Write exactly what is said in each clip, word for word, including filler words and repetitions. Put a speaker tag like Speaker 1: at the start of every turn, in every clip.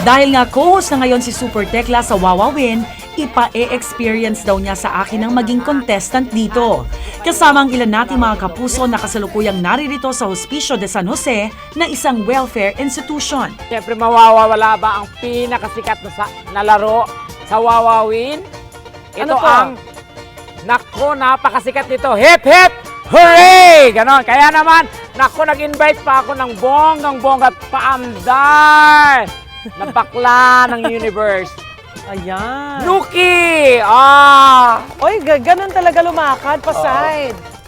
Speaker 1: Dahil nga co-host na ngayon si Super Tekla sa Wawawin, ipa-e-experience daw niya sa akin ang maging contestant dito. Kasama ang ilan nating mga kapuso na kasalukuyang naririto sa Hospicio de San Jose na isang welfare institution.
Speaker 2: Siyempre mawawala ba ang pinakasikat na, sa, na laro sa Wawawin? Ito
Speaker 3: Ano po?
Speaker 2: ang, nako, napakasikat nito. Hip hip! Hooray! Ganon. Kaya naman, nako, nag-invite pa ako ng bonggang-bongga at paandar na bakla ng universe.
Speaker 3: Ayan.
Speaker 2: Nuki! Ah!
Speaker 3: Oy, ga- ganun talaga lumakad pa side.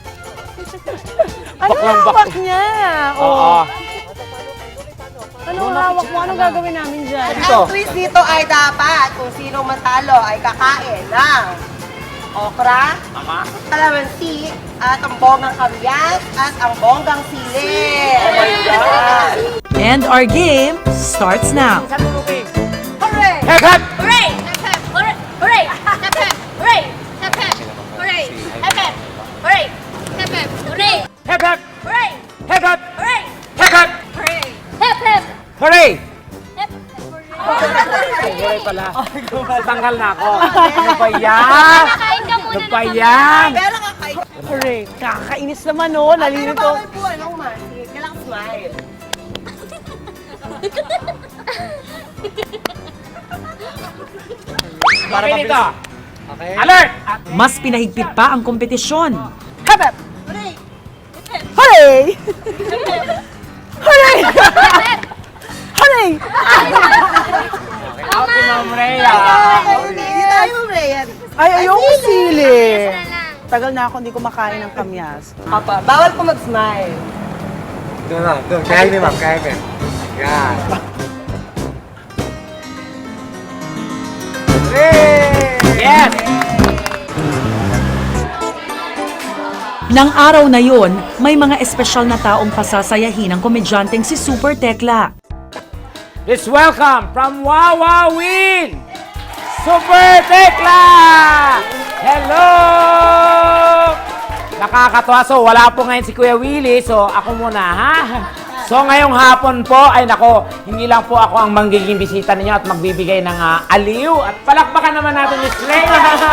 Speaker 3: Ano
Speaker 2: Baklang
Speaker 3: hawak
Speaker 2: bak-
Speaker 3: niya?
Speaker 2: Oo.
Speaker 3: Oh. Ano hawak mo? Anong gagawin namin dyan?
Speaker 2: Ito.
Speaker 4: Ang twist dito ay dapat kung sino matalo ay kakain ng okra,
Speaker 2: Tama?
Speaker 4: kalamansi, at ang bonggang kamyas, at ang bonggang sili. Oh my God!
Speaker 1: And our game starts now.
Speaker 2: Saan mo, Nuki?
Speaker 4: Hooray!
Speaker 2: Hip hip!
Speaker 5: Hooray! Hep hep! Hooray! Hooray! Hep hep! Hooray! Hep hep! Hooray! Hep hep! Hooray! Hep hep! Hooray!
Speaker 2: Hip hip!
Speaker 5: Hooray!
Speaker 2: Hip hip!
Speaker 5: Hooray!
Speaker 2: Hip hip!
Speaker 5: Hooray! Hep hep!
Speaker 2: Hooray!
Speaker 5: Hep
Speaker 2: Hooray pala. Tanggal na ako. Ano ba yan?
Speaker 5: Kain ka muna
Speaker 2: Ano ba
Speaker 5: ng
Speaker 2: yan?
Speaker 4: Pero kakain.
Speaker 3: Hooray. Kakainis naman, oh.
Speaker 4: Pero
Speaker 3: Nalilito.
Speaker 4: bawal po, anong masin? Kailangan smile.
Speaker 2: Okay dito. Alert!
Speaker 1: Mas pinahigpit pa ang kompetisyon.
Speaker 3: Hep, hep.
Speaker 4: Hooray!
Speaker 3: Hooray! Hooray! Hooray!
Speaker 2: Out si Ma'am Rhea.
Speaker 4: Hindi tayo, Ryan.
Speaker 3: Ay, ayoko sili.
Speaker 5: na lang.
Speaker 3: Tagal na ako hindi kumakain ng kamyas.
Speaker 4: Papa, bawal po mag-smile.
Speaker 6: Doon lang, doon. Kaya ni ma'am, kaya ni. Yan.
Speaker 2: Yes!
Speaker 1: Nang araw na yon, may mga espesyal na taong pasasayahin ng komedyanteng si Super Tekla.
Speaker 2: Let's welcome from Wawawin, Super Tekla! Hello! Nakakatuwa. So, wala po ngayon si Kuya Willie. So, ako muna, ha? So, ngayong hapon po, ay nako, hindi lang po ako ang manggiging bisita ninyo at magbibigay ng ah, aliw. At palakpakan naman natin ni Slay.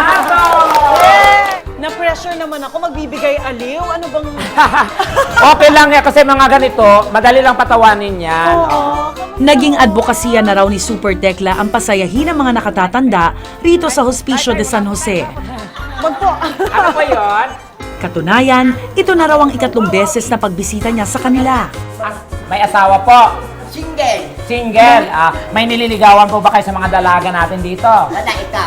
Speaker 3: Na-pressure naman ako, magbibigay aliw. Ano bang...
Speaker 2: Okay lang yan kasi mga ganito, madali lang patawanin yan.
Speaker 3: Oo.
Speaker 1: Naging advokasya na raw ni Super Tekla ang pasayahin ng mga nakatatanda rito sa Hospicio de San Jose.
Speaker 3: Magpo...
Speaker 2: Ano po yun?
Speaker 1: Katunayan, ito na raw ang ikatlong beses na pagbisita niya sa kanila.
Speaker 2: As- may asawa po.
Speaker 4: Single.
Speaker 2: Single. Ah, may nililigawan po ba kayo sa mga dalaga natin dito?
Speaker 4: Wala ikaw.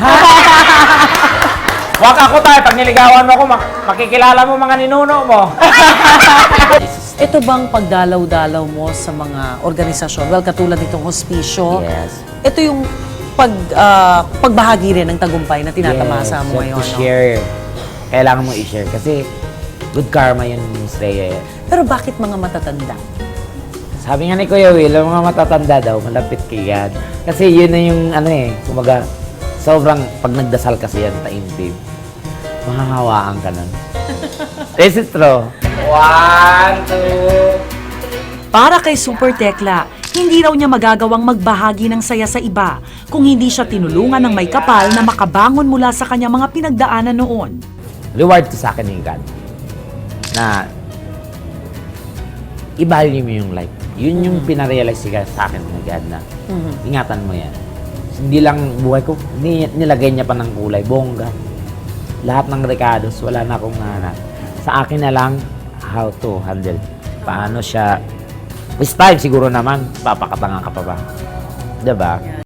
Speaker 2: Wag ako tayo. Pag niligawan mo ako, mak- makikilala mo mga ninuno mo.
Speaker 7: Ito bang pagdalaw-dalaw mo sa mga organisasyon? Well, katulad nitong hospisyo.
Speaker 2: Yes.
Speaker 7: Ito yung pag, ah, pagbahagi rin ng tagumpay na tinatamasa mo ngayon.
Speaker 2: to
Speaker 7: no?
Speaker 2: share. Kailangan mo i-share kasi good karma yun, Miss Rhea.
Speaker 7: Pero bakit mga matatanda?
Speaker 2: Sabi nga ni Kuya Will, ang mga matatanda daw, malapit kay God. Kasi yun na yung ano eh, kumaga, sobrang pag nagdasal kasi yan, taimtim, mahahawaan ka nun. Is it true? One, two,
Speaker 1: Para kay Super Tekla, hindi raw niya magagawang magbahagi ng saya sa iba kung hindi siya tinulungan ng may kapal na makabangon mula sa kanyang mga pinagdaanan noon.
Speaker 2: reward to sa akin ni God na i-value mo yung life. Yun yung pinarealize siya sa akin ni God na ingatan mo yan. Hindi lang buhay ko, ni, nilagay niya pa ng kulay, bongga. Lahat ng recados, wala na akong nahanap. Sa akin na lang, how to handle. Paano siya, this time siguro naman, papakatanga ka pa ba? Diba?